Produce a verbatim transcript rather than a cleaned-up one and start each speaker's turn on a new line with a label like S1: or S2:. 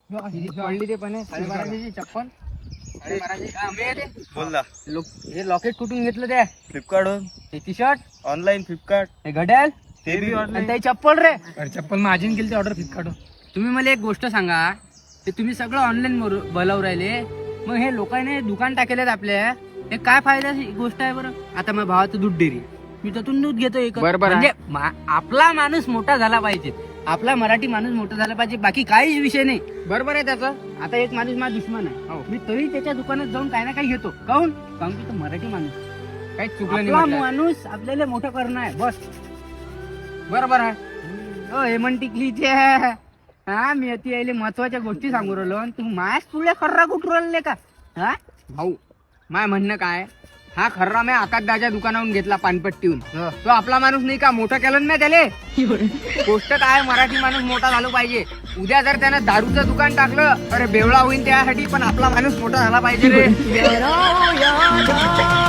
S1: पडली ते पण साडेबाराशेची चप्पल.
S2: बोल ना.
S1: हे लॉकेट कुठून घेतलं त्या?
S2: फ्लिपकार्ट वरून.
S1: हे टी शर्ट
S2: ऑनलाईन फ्लिपकार्ट.
S1: हे घड्याळ
S2: ते बी
S1: आणि
S2: ऑनलाईन.
S1: ते चप्पल रे.
S3: चप्पल माझी केली ऑर्डर फ्लिपकार्ट.
S1: तुम्ही मला एक गोष्ट सांगा, ते तुम्ही सगळं ऑनलाईन बोलावून राहिले, मग हे लोकांनी दुकान टाकेलेत आपल्या, हे काय फायद्याची गोष्ट आहे बरं? आता माझ्या भावाचं दूध डेअरी, मी त्यातून दूध घेतो एक.
S3: बरोबर आहे.
S1: म्हणजे मा- आपला माणूस मोठा झाला पाहिजे, आपला मराठी माणूस मोठा झाला पाहिजे, बाकी काहीच विषय नाही. बरोबर आहे त्याचं. आता एक माणूस माझा दुश्मन आहे, मी तरी त्याच्या दुकानात जाऊन काही ना काही घेतो. काहून? कारण की तो मराठी माणूस,
S3: काहीच चुकलं नाही
S1: आपला
S3: म्हटलं.
S1: माणूस आपल्याला मोठं करणं आहे बस.
S3: बरोबर आहे.
S1: हो हेमंत टिकलीचे हा, मी अति यायले महत्वाच्या गोष्टी सांगू राहिलो आणि तू मायाच तुला खर्रा कुठू राहिले का? हा
S3: भाऊ माय म्हणणं काय, हा खर्रा मी आकाशदाच्या दुकानावरून घेतला पानपट्टीहून. तो आपला माणूस नाही का, मोठं केलं ना त्याले. गोष्ट काय, मराठी माणूस मोठा झाला पाहिजे. उद्या जर त्यानं दारूचं दुकान टाकलं अरे बेवळा होईल त्यासाठी, पण आपला माणूस मोठा झाला पाहिजे रे.